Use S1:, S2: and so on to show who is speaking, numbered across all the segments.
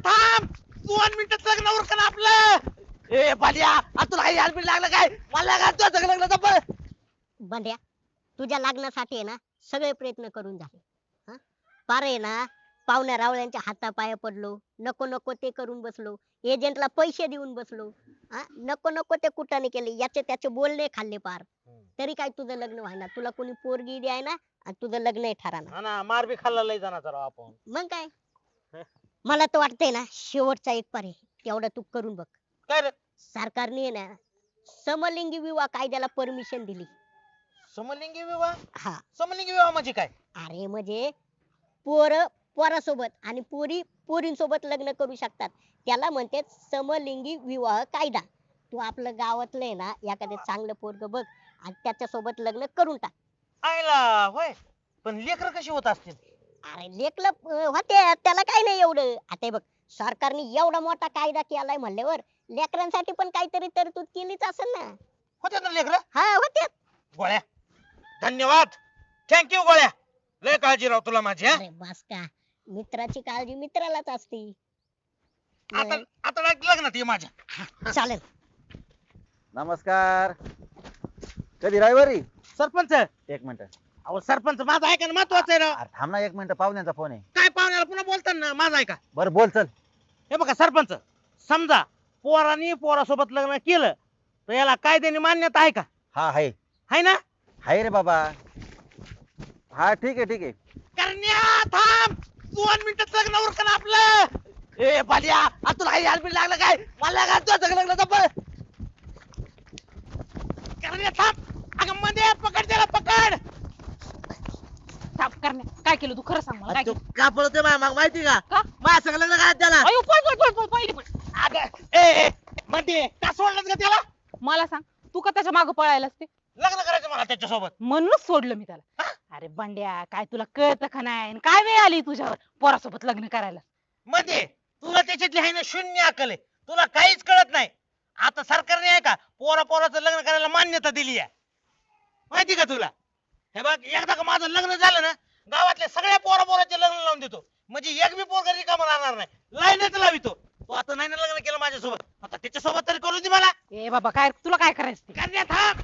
S1: थांब 2 मिनिटात लग्न उरकन आपलं. ए बालिया तुला काही हेल्मेट लागलं काय? मला काय तुझं सगळं लग्न जमलं.
S2: बंड्या तुझ्या लग्नासाठी आहे ना सगळे प्रयत्न करून झाले हा पार आहे ना पाहुण्या रावळ्यांच्या हातापाया पडलो नको नको ते करून बसलो एजंटला पैसे देऊन बसलो हा नको नको ते कुठाने केले याचे त्याचे बोलणे खाल्ले पार तरी काय तुझं लग्न व्हायना तुला कोणी पोरगी द्याय ना आणि तुझं लग्न ठराना
S1: हा ना मार बी खाल्ला लय जाणार राव आपण.
S2: मग काय मला तर वाटतंय ना शेवटचा एक पर्याय तेवढं तू करून बघ
S1: काय रे
S2: सरकारने आहे ना समलिंगी विवाह कायद्याला परमिशन दिली
S1: समलिंगी विवाह?
S2: हा
S1: समलिंगी विवाह म्हणजे काय?
S2: अरे म्हणजे पोर पोरासोबत आणि पोरी पोरींसोबत लग्न करू शकतात त्याला म्हणते समलिंगी विवाह कायदा तू आपलं गावातलं आहे ना एखादं चांगलं पोरग बघ आणि त्याच्यासोबत लग्न करून टाक
S1: आयला होय. पण लेकर कशी होत असतील?
S2: अरे लेकलं होते त्याला काय नाही एवढं आता हे बघ सरकारने एवढा मोठा कायदा केलाय म्हणल्यावर लेकरांसाठी पण काहीतरी तरतूद केलीच असेल ना
S1: होते ना लेकर?
S2: हा होते
S1: गोळ्या धन्यवाद थँक्यू गोळ्या लय काळजी राव तुला माझी.
S2: अरे बस का मित्राची काळजी मित्रालाच असते
S1: आता आता लग्नात ये माझ्या.
S2: चालेल
S3: नमस्कार. कधी रविवारी?
S1: सरपंच
S3: एक मिनिट.
S1: अहो सरपंच माझा ऐका ना महत्वाचं आहे राव.
S3: अरे थांब ना, एक मिनिट, पाहुण्यांचा फोन आहे.
S1: काय पाहुण्याला पुन्हा बोलताना माझा ऐका.
S3: बरं बोल चल.
S1: हे बघा सरपंच समजा पोरानी पोरासोबत लग्न केलं तर याला कायद्याने मान्यता आहे का?
S3: हा आहे.
S1: आहे ना?
S3: आहे रे बाबा. हा ठीक आहे ठीक आहे.
S1: करण्या थांब 2 मिनिटात लग्न उरकन आपलं. ए बालिया तुला काही हेल्मेट लागलं काय? मला काय तुझं सगळं लग्न जमलं. करण्या थांब. अगं मध्ये पकड त्याला पकड.
S4: थांब करण्या काय केलं तू खरं सांग मला काय
S1: तू
S4: केलं?
S1: का पळतोय माग माहिती का?
S4: का?
S1: माझ्या सगळं लग्न काय त्याला.
S4: अयो पळ पहिले पण
S1: अगं ए मध्ये का सोडलंस का त्याला?
S4: मला सांग तू का त्याच्या मागे पळायलास ते
S1: लग्न करायचं मला त्याच्यासोबत.
S4: म्हणूनच सोडलं मी त्याला. अरे बंड्या काय तुला कळतं का नाही आणि काय वेळ आली तुझ्यावर पोरासोबत लग्न करायला?
S1: मध्ये तुला त्याच्यातली आहे ना शून्य अक्कल आहे. तुला काहीच कळत नाही. आता सरकारने आहे का पोराचं लग्न करायला मान्यता दिली आहे. माहिती का तुला? हे बघ एकदा का माझं लग्न झालं ना गावातल्या सगळ्या पोराचे लग्न लावून देतो. म्हणजे एक बी पोरगा रिकामा राहणार नाही. लाईनच लावितो. तू आता नाही ना लग्न केलं माझ्यासोबत, आता त्याच्यासोबत तरी करू दे मला.
S4: ए बाबा काय तुला काय करायचं ते?
S1: करण्या थांब.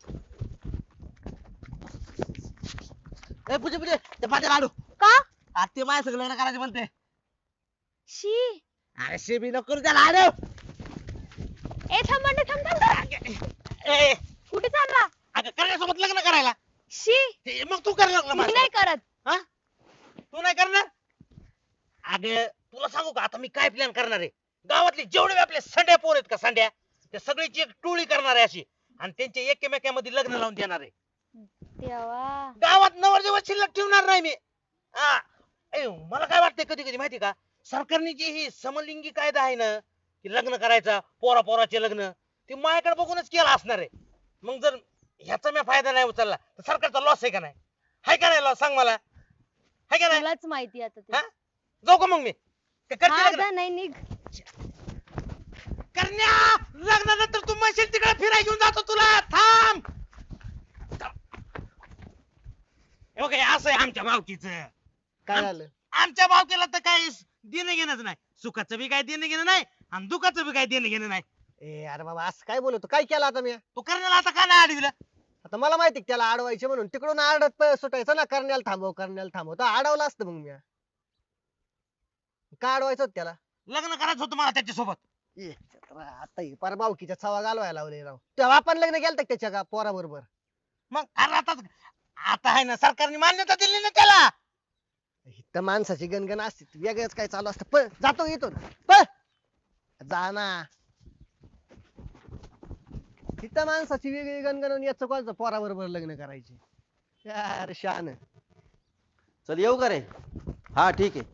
S1: ए पुजे ते माझ्या लाडू
S4: का
S1: ते माझ्या सगळं लग्न करायचं म्हणते.
S4: शी
S1: अरे शेबी नको करू त्या लाडू.
S4: ए थांब बंड्या थांब थांब
S1: ए
S4: कुठे चालला?
S1: अगं करण्यासोबत लग्न करायला.
S4: शी
S1: मग तू कर लग्न
S4: मी
S1: माझ्यासोबत.
S4: नाही करत.
S1: हा? तू नाही करणार? अगं तुला सांगू का आता मी काय प्लॅन करणार आहे. गावातले जेवढे आपले संड्या पोर आहेत का संड्या त्या सगळीची एक टोळी करणार आहे अशी आणि त्यांच्या एकमेकांमध्ये लग्न लावून देणार आहे.
S4: देवा
S1: गावात नवरदेव शिल्लक ठेवणार नाही मी. हा. मला काय वाटतंय कधी कधी माहिती का सरकारने जी ही समलिंगी कायदा आहे ना की लग्न करायचा पोराचे लग्न ते माझ्याकडे बघूनच केला असणार आहे. मग जर ह्याचा मी फायदा नाही उचलला तर सरकारचा लॉस आहे का नाही? हाय का नाही लॉस सांग मला? हाय का नाही?
S4: तुलाच माहिती आता ते.
S1: हा? जाऊ का मग मी? का करते
S4: हा
S1: लग्न?
S4: जा, नाही निघ.
S1: करण्या लग्नानंतर तू म्हणशील तिकडे फिरायला घेऊन जातो तुला. थांब. हे बघ, हे असं आहे आमच्या भावकीचं.
S5: काय झालं?
S1: आमच्या भावकीला तर काही देणं घेणंच नाही. सुखाचं बी काही देणं घेणं नाही आणि दुखाचं बी काही देणं घेणं नाही.
S5: ए अरे बाबा असं काय बोलतो? काय केलं आता मी?
S1: तू करण्याला आता का नाही अडविलं?
S5: आता मला माहिती आहे त्याला अडवायचे म्हणून तिकडून आडत सुटायचं ना, करण्याला थांबव तर अडवलं असतं मग मी. का अडवायचं होतं त्याला?
S1: लग्न करायचं होतं मला त्याच्यासोबत.
S5: ए, आता ही पार भावकीच्या छवा घालवायला लावले राव. तेव्हा आपण लग्न केलं का त्याच्या का पोरा बरोबर?
S1: मग अरे आता आहे ना सरकारने मान्यता दिली ना त्याला.
S5: तर माणसाची गणगण असते वेगळंच काय चालू असतं. पळ जातो येतो ना. पळ जा ना. तिथं माणसाची वेगळी गणगण याच कोणाचं पोरा बरोबर लग्न करायचे यार शान.
S3: चल येऊ का रे? हा ठीक आहे.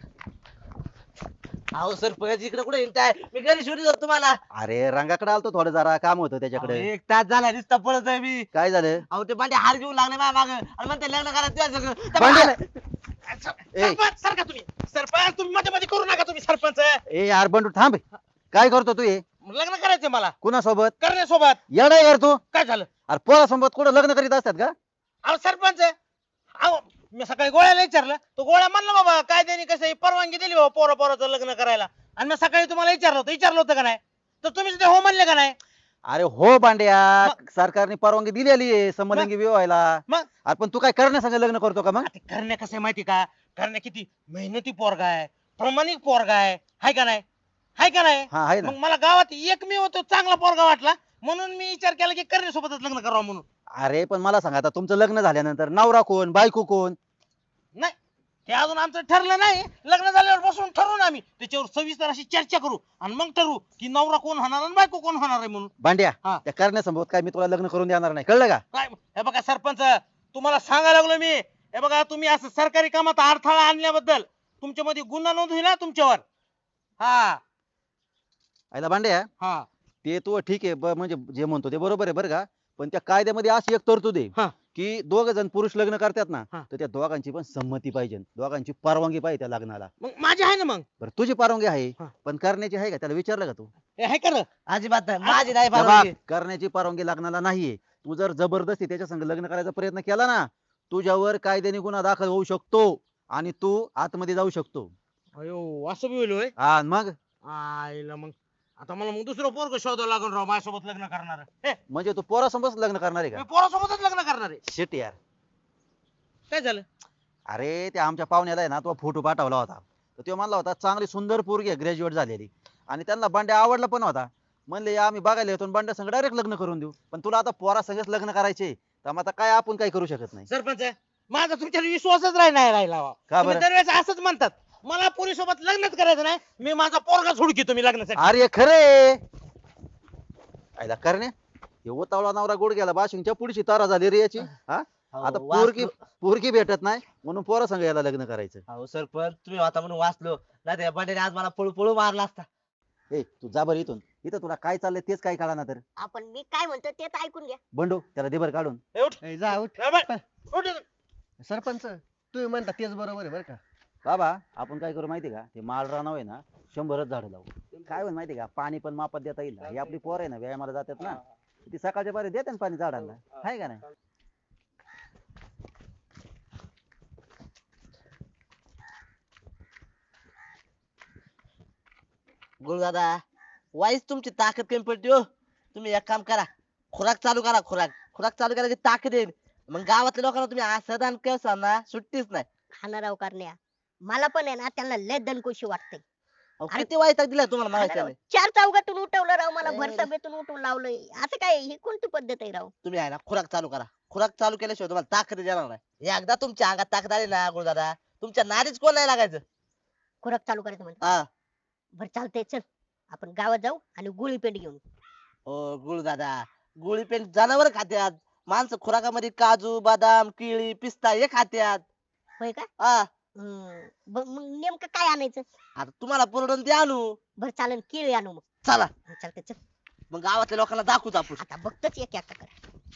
S1: अहो सरपंच इकडे कुठे येताय? मी घरी शोधत होतो तुम्हाला.
S3: अरे रंगाकडे आलतो, थोडं जरा काम होतं त्याच्याकडे.
S1: 1 तास झाला नुसता पळत आहे मी.
S3: काय झालं?
S1: अहो ते बांडे हार घेऊन लागले माझ्या मागं आणि म्हणते लग्न करा तुझ्या सगळं.
S3: बांडे!
S1: सरपंच सारखा तुम्ही. सरपंच तुम्ही मध्ये मध्ये करू नका तुम्ही सरपंच.
S3: ए यार बंडू थांब. काय करतो तू हे?
S1: लग्न करायचंय मला
S3: कुणासोबत?
S1: करण्यासोबत.
S3: येडा यार तू.
S1: काय झालं?
S3: अरे पोरासोबत कुठं लग्न करीत असतात का?
S1: अहो सरपंच अहो मी सकाळी गोळ्याला विचारलं तो गोळ्या म्हणला बाबा कायद्याने कसं आहे, परवानगी दिली बाबा पोराचं लग्न करायला. आणि मी सकाळी तुम्हाला विचारलं होतं का नाही, तर तुम्ही ते हो म्हणले का नाही?
S3: अरे हो बांड्या, सरकारने परवानगी दिलेली आहे समलिंगी विवाहाला.
S1: मग
S3: अरे पण तू काय करण्यासंग लग्न करतो का मग?
S1: ते करण्या कसं आहे माहिती का, करण्या किती मेहनती पोरगा आहे, प्रामाणिक पोरगा आहे, हाय का नाही? हाय का नाही?
S3: हा आहे ना.
S1: मग मला गावात एकमेव तो चांगला पोरगा वाटला, म्हणून मी विचार केला की करण्यासोबतच लग्न करावं म्हणून.
S3: अरे पण मला सांगा, आता तुमचं लग्न झाल्यानंतर नवरा कोण, बायको कोण?
S1: नाही हे अजून आमचं ठरलं नाही. लग्न झाल्यावर बसून ठरवू ना आम्ही, त्याच्यावर सविस्तर अशी चर्चा करू आणि मग ठरवू की नवरा कोण होणार आणि बायको कोण होणार आहे म्हणून.
S3: बांड्या,
S1: हा.
S3: त्या करण्यासंभव काय मी तुला लग्न करून देणार नाही, कळलं का?
S1: काय हे बघा सरपंच, तुम्हाला सांगायला लागलो मी, हे बघा तुम्ही असं सरकारी कामात अडथळा आणल्याबद्दल तुमच्यामध्ये गुन्हा नोंद होईल ना तुमच्यावर. हा
S3: आयला बांड्या,
S1: हा
S3: ते तू ठीक आहे, म्हणजे जे म्हणतो ते बरोबर आहे बरं का. पण त्या कायद्यामध्ये अशी एक तरतूद आहे
S1: हा.
S3: की दोघ जण पुरुष लग्न करतात ना,
S1: हा.
S3: तर त्या दोघांची पण संमती पाहिजे, दोघांची परवानगी पाहिजे त्या लग्नाला.
S1: मग माझी आहे ना मग.
S3: बरं तुझी परवानगी आहे,
S1: हा.
S3: पण करण्याची आहे का? त्याला विचारलं का तू?
S1: हे आहे कर
S5: अजिबात नाही, माझी नाही
S3: त्या
S5: परवानगी.
S3: बघ, करण्याची परवानगी लग्नाला नाहीये. तू जर जबरदस्ती त्याच्या संग लग्न करायचा प्रयत्न केला ना, तुझ्यावर कायद्याने गुन्हा दाखल होऊ शकतो आणि तू आतमध्ये जाऊ शकतो.
S1: अयो असं बी होईल होय.
S3: हा मग
S1: आईला मग आता मला मग दुसरं पोरग शोधावं लागेल राव माझ्यासोबत लग्न करणार.
S3: म्हणजे तू पोरासोबत लग्न करणार आहे
S1: मी
S3: का?
S1: पोरासोबतच लग्न करणार आहे.
S3: शिट यार.
S1: काय झालं?
S3: अरे त्या आमच्या पाहुण्याला आहे ना, तो फोटो पाठवला होता, तर तो म्हणला होता चांगली सुंदर पोरगी आहे, ग्रॅज्युएट झालेली, आणि त्यांना बंड्या आवडला पण होता. म्हणले आम्ही बघायला येतो, बंड्या संग डायरेक्ट लग्न करून देऊ. पण तुला आता पोरा संगच लग्न करायचे, तर मग आता काय आपण काय करू शकत नाही.
S1: सरपंच माझा तुमच्यावर विश्वासच नाही राहिला बा.
S3: का
S1: तुम्ही
S3: बरं?
S1: दरवेळेस असंच म्हणतात, मला पोरीसोबत लग्नच करायचं नाही, मी माझा पोरगा सोडकी तुम्ही लग्नासाठी.
S3: अरे खरे आयला करणे, हे ओतावळा नवरा गोड गेला, बाशिंगच्या पुढची तारा झाली रे याची. हा आता पोरगी पोरगी भेटत नाही म्हणून पोरा संग याला लग्न करायचं.
S5: अहो सरपंच, तुम्ही होता म्हणून वाचलो, नाही त्या बंड्याने आज मला पळू पळू मारला असता.
S3: ए तू जा बरं इथून, इथं तुला काय चाललंय तेच काय कळा ना. तर
S2: आपण मी काय म्हणतो ते तर ऐकून घ्या.
S3: बंडू त्याला दे बरं काढून.
S1: ए, उठ.
S5: ए, जा उठ.
S1: ए, बाय. उठ.
S5: सरपंच, तुम्ही म्हणता तेच बरोबर आहे बरं का.
S3: बाबा आपण काय करू माहिती का, ते माळ रानाव आहे ना 100च झाडं लावू. काय होईल माहिती का, पाणी पण मापात देता येईल. ही आपली पोर आहे ना, व्यायामाला जातात ना, ती सकाळच्या पारी देते ना पाणी झाडांना, आहे का नाही?
S5: गुरुदादा, वाईच तुमची ताकद कमी पडते हो. तुम्ही एक काम करा, खुराक चालू करा. खुराक चालू करा की ताकद येईल. मग गावातल्या लोकांना तुम्ही असं दान केलं ना, सुट्टीच नाही.
S2: खाणाराव करण्या, मला पण आहे ना त्यांना लय दणकुशी वाटते.
S5: अहो, किती वाईट दिलाय तुम्हाला माहिती नाही.
S2: चार चौघातून उठवलं राव मला,
S5: अरे.
S2: भर सभेतून उठवून लावलंय. असं काय, ही कोणती पद्धत आहे राव?
S5: तुम्ही आहे ना खुराक चालू करा. खुराक चालू केल्याशिवाय तुम्हाला ताकद येणार नाही. एकदा तुमच्या अंगात ताकद आली ना गुरुदादा, तुमच्या नारीच कोण नाही लागायचं.
S2: खुराक चालू करायचं म्हणतो.
S5: हा
S2: बरं चालतंय, चल आपण गावात जाऊ आणि गुळी पेंट घेऊन.
S5: हो गुरुदादा, गोळी पेंट जनावर खात्यात, माणसं खुराकामध्ये काजू बदाम केळी पिस्ता हे खात्यात.
S2: होय का?
S5: हा
S2: मग नेमकं काय आणायचं?
S5: आता तुम्हाला पुरवून ते आणू.
S2: बरं चालेल, केळी आणू मग.
S5: चला
S2: चालतंय, चल.
S5: मग गावातल्या लोकांना दाखवूच आपण.
S2: आता बघतच एक एक कर.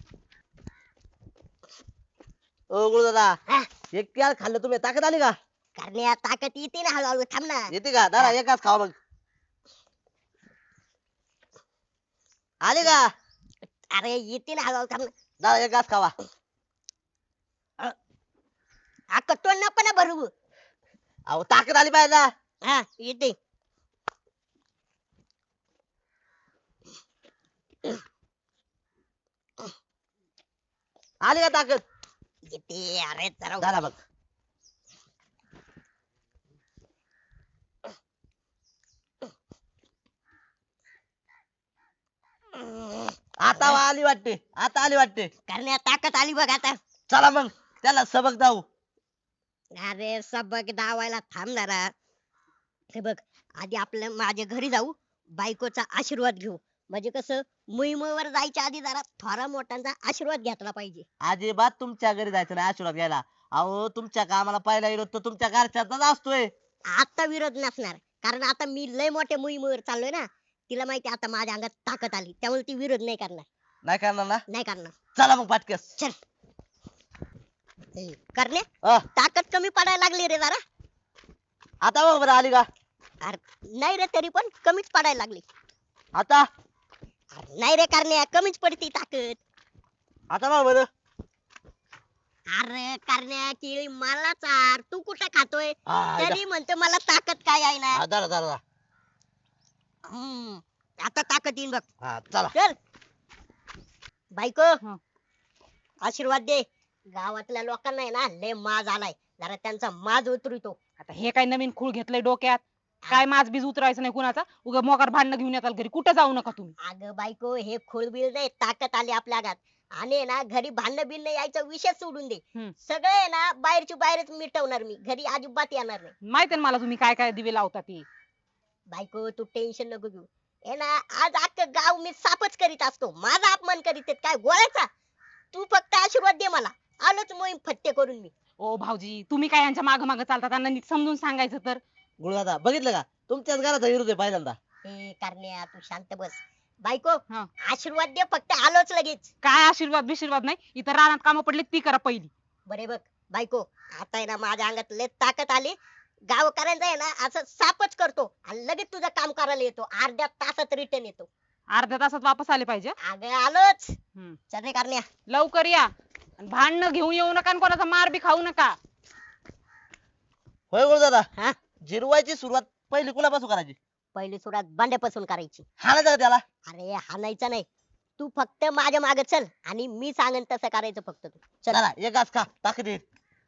S5: ओ गुरुदादा,
S2: हा.
S5: एक केळ खाल्लं तुम्ही ताकद आली का?
S2: करण्या ताकद येते ना हळूहळू, थांब ना.
S5: येते का? दादा एकाच खावा मग. आली का?
S2: अरे येते ना हळूहळू, थांब ना.
S5: दादा एकाच खावा.
S2: अक्का तोंड नको ना भरू.
S5: अहो ताकद आली पाहिजे ना.
S2: हा येते.
S5: आली का ताकद?
S2: येते अरे जरा
S5: झाला बघ. आता आली वाटते, आता आली वाटते.
S2: करण्या ताकद आली बघ आता.
S5: चला मग त्याला सबक जाऊ.
S2: अरे सबक दावायला थांब जरा. हे बघ, आधी आपल्या माझ्या घरी जाऊ, बायकोचा आशीर्वाद घेऊ. म्हणजे कसं, मुहिमेवर जायच्या आधी जरा थोरा मोठ्यांचा आशीर्वाद घेतला पाहिजे.
S5: अजिबात तुमच्या घरी जायचं नाही आशीर्वाद घ्यायला. अहो तुमच्या कामाला पहिला विरोध तर तुमच्या घरच्याचाच असतोय.
S2: आता विरोध नसणार, कारण आता मी लय मोठ्या मोहिमेवर चाललोय ना. तिला माहिती आता माझ्या अंगात ताकद आली, त्यामुळे ती विरोध नाही करणार.
S5: नाही करणार ना?
S2: नाही करणार.
S5: चला मग पाटकस.
S2: चल. करण्या,
S5: अ,
S2: ताकद कमी पडायला लागली रे जरा.
S5: आता बघ बरं आली का?
S2: अरे नाही रे, तरी पण कमीच पडायला लागली.
S5: आता
S2: अरे नाही रे करण्या, कमीच पडती ताकद.
S5: आता बघ बरं.
S2: अरे करण्या केळी मला चार, तू कुठे खातोय?
S5: हा,
S2: तरी म्हणतो मला ताकद काय आहे ना.
S5: हा, धरा धरा धरा.
S2: हम्म, आता ताकद येईन बघ.
S5: हा चला.
S2: चल बायको,
S4: हं.
S2: आशीर्वाद दे. गावातल्या लोकांना आहे ना लय माज आलाय, जरा त्यांचा माज उतरतो.
S4: आता हे काय नवीन खूळ घेतलंय डोक्यात? काय माझ बीज उतरायचं नाही कुणाचा, उगा मोकार भांडणं घेऊन येताल घरी, कुठं जाऊ नका तुम्ही.
S2: अगं बायको, हे खोळबिळ नाही, ताकद आली आपल्या गात. आणि आहे ना घरी भांडण बिंड यायचा विषय सोडून दे.
S4: हम्म.
S2: सगळं आहे ना बाहेरची बाहेरच मिटवणार मी, घरी अजिबात येणार नाही.
S4: माहिती ना मला तुम्ही काय काय दिवे लावता ते.
S2: बायको तू टेन्शन नको घेऊ. हे ना आज अख्खं गाव मी साफच करीत असतो, माझा अपमान करीत आहेत काय गोळ्याचा. तू फक्त आशीर्वाद दे मला, आलोच मोहीम फत्ते करून मी.
S4: ओ भाऊजी, तुम्ही काय यांच्या माग माग चालता, त्यांना नीट समजून सांगायचं तर.
S5: गुरुदादा बघितलं का, तुमच्याच घराचा विरोध आहे पहिल्यांदा.
S2: ए करण्या तू शांत बस. बायको
S4: हा.
S2: आशीर्वाद दे फक्त, आलोच लगेच.
S4: काय आशीर्वाद बिशीर्वाद नाही, इथं रानात कामं पडले ती करा पहिली.
S2: बरे बघ बायको, आता आहे ना माझ्या अंगात लय ताकद आली. गावकऱ्यांचा आहे ना असं साफच करतो आणि लगेच तुझं काम करायला येतो, अर्ध्या तासात रिटर्न येतो.
S4: अर्ध्या तासात वापस आले पाहिजे.
S2: अगं आलोच.
S4: हम्म.
S2: चल रे करण्या.
S4: लवकर या आणि भांडणं घेऊन येऊ नका आणि कोणाचा मार बी खाऊ नका.
S5: होय गुरुदादा,
S2: हा
S5: जिरवायची सुरुवात पहिली कुणापासून करायची?
S2: पहिली सुरुवात बांड्यापासून करायची.
S5: हाणायचं का त्याला?
S2: अरे हाणायचं नाही, तू फक्त माझ्या मागे चल आणि मी सांगेन तसं करायचं फक्त तू. चल.
S5: चला एक घास खा, ताकद येईल.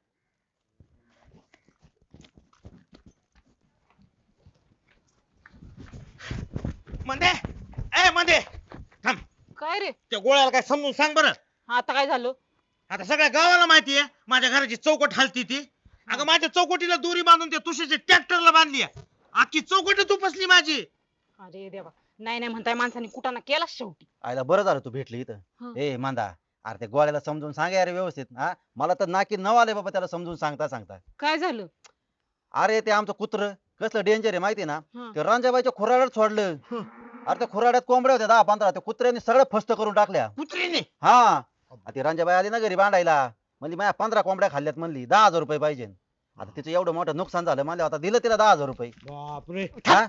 S1: मध्ये ए मध्ये थांब.
S4: काय रे,
S1: त्या गोळ्याला काय समजून सांग बरं.
S4: आता काय झालं?
S1: आता सगळ्या गावाला माहितीये माझ्या घराची चौकट हलती ती. अगं माझ्या चौकटीला दोरी बांधून त्या तुषाच्या ट्रॅक्टरला बांधली आहे. अख्खी चौकट तुपसली माझी.
S4: अरे देवा, नाही नाही म्हणताय माणसाने कुठं ना केला शेवटी.
S3: आयला बरं झालं तू भेटली
S4: हं.
S3: इथं. ए मांदा, अरे त्या गोळ्याला समजून सांगा अरे व्यवस्थित. हा मला तर नाकी नव आले बाबा त्याला समजून सांगता सांगता.
S4: काय झालं?
S3: अरे ते आमचं कुत्र कसलं डेंजर आहे माहिती ना.
S4: हं.
S3: ते रांजाबाईच्या खुराड्यात सोडलं. अरे त्या खुराड्यात कोंबड्या होत्या 10-15, त्या कुत्र्याने सगळं फस्त करून टाकल्या.
S1: कुत्रीने
S3: हा आ ती रांजाबाई आली ना घरी बांधायला, म्हणली माझ्या 15 कोंबड्या खाल्ल्यात, म्हणली 10,000 रुपये पाहिजे. आता तिचं एवढं मोठं नुकसान झालं, म्हणलं आता दिलं तिला 10,000 रुपये.
S1: बापरे.
S3: हा?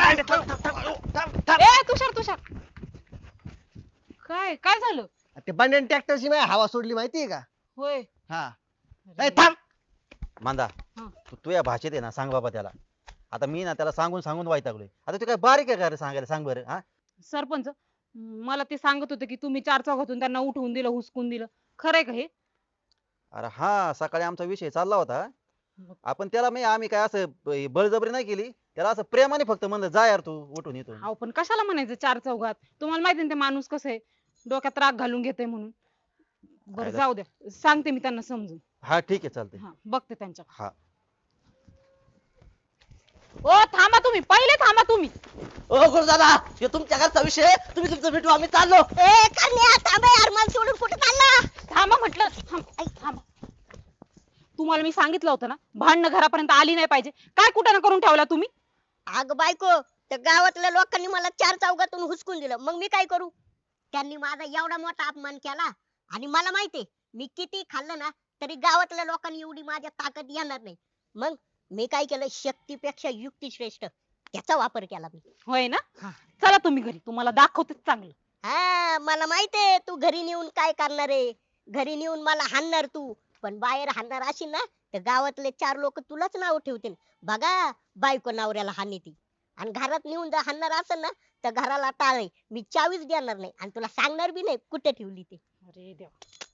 S4: ए तुषार तुषार, काय काय झालं?
S6: ते बंड्याने ट्रॅक्टरची माझी हवा सोडली माहितीये का?
S4: होय.
S6: हा.
S4: अरे,
S6: ए थांब.
S3: मांदा,
S4: हं.
S3: तू या भाषेत आहे ना सांग बाबा त्याला. आता मी ना त्याला सांगून सांगून वैतागलोय. आता तू काय बारीक आहे का रे सांगायला, सांग बरं. हा
S4: सरपंच, मला ते सांगत होते की तुम्ही 4 चौघातून त्यांना उठवून दिलं, हुसकून दिलं. खरंय का हे?
S3: अरे हा, सकाळी आमचा विषय चालला होता. आपण त्याला आम्ही काय असं बळजबरी नाही केली, त्याला असं प्रेमाने फक्त म्हणलं जा यार तू उठून येतो.
S4: अहो पण कशाला म्हणायचं 4 चौघात? तुम्हाला माहिती ना ते माणूस कसं आहे, डोक्यात राग घालून घेते म्हणून. बरं
S3: काय
S4: जाऊ द्या, सांगते मी त्यांना समजून.
S3: हा ठीक आहे चालतंय.
S4: हा बघते त्यांच्या.
S3: हा
S4: ओ थांबा तुम्ही, पहिले थांबा तुम्ही.
S5: ओ गुरुदादा, हे तुमच्या घरचा विषय आहे. तुम्ही तुमचं भेटू, आम्ही चाललो.
S2: ए करण्या थांब यार, मला सोडून कुठे चालला?
S4: थांबा म्हटलं, थांबा. तुम्हाला मी सांगितलं होतं ना, भांडणं घरापर्यंत आली नाही पाहिजे. काय कुठं ना करून ठेवला तुम्ही?
S2: अग बायको, त्या गावातल्या लोकांनी मला 4 चौघातून हुसकून दिलं, मग मी काय करू? त्यांनी माझा एवढा मोठा अपमान केला आणि मला माहितीये मी किती खाल्लं ना तरी गावातल्या लोकांनी एवढी माझ्या ताकद येणार नाही. मग मी काय केलं, शक्तीपेक्षा युक्ती श्रेष्ठ, त्याचा वापर केला मी.
S4: होय ना? चला तुम्ही घरी, तुम्हाला दाखवतेच चांगलं.
S2: हा मला माहितीये तू घरी नेऊन काय करणार आहे. घरी नेऊन मला हाणणार तू, पण बाहेर हाणणार असेल ना तर गावातले 4 लोक तुलाच नाव ठेवतील. बघा बायको नवऱ्याला हानी ती. आणि घरात नेऊन जर हाणणार असेल ना तर घराला टाळे, मी चावीच देणार नाही आणि तुला सांगणार बी नाही कुठे ठेवली ती.
S4: अरे देवा.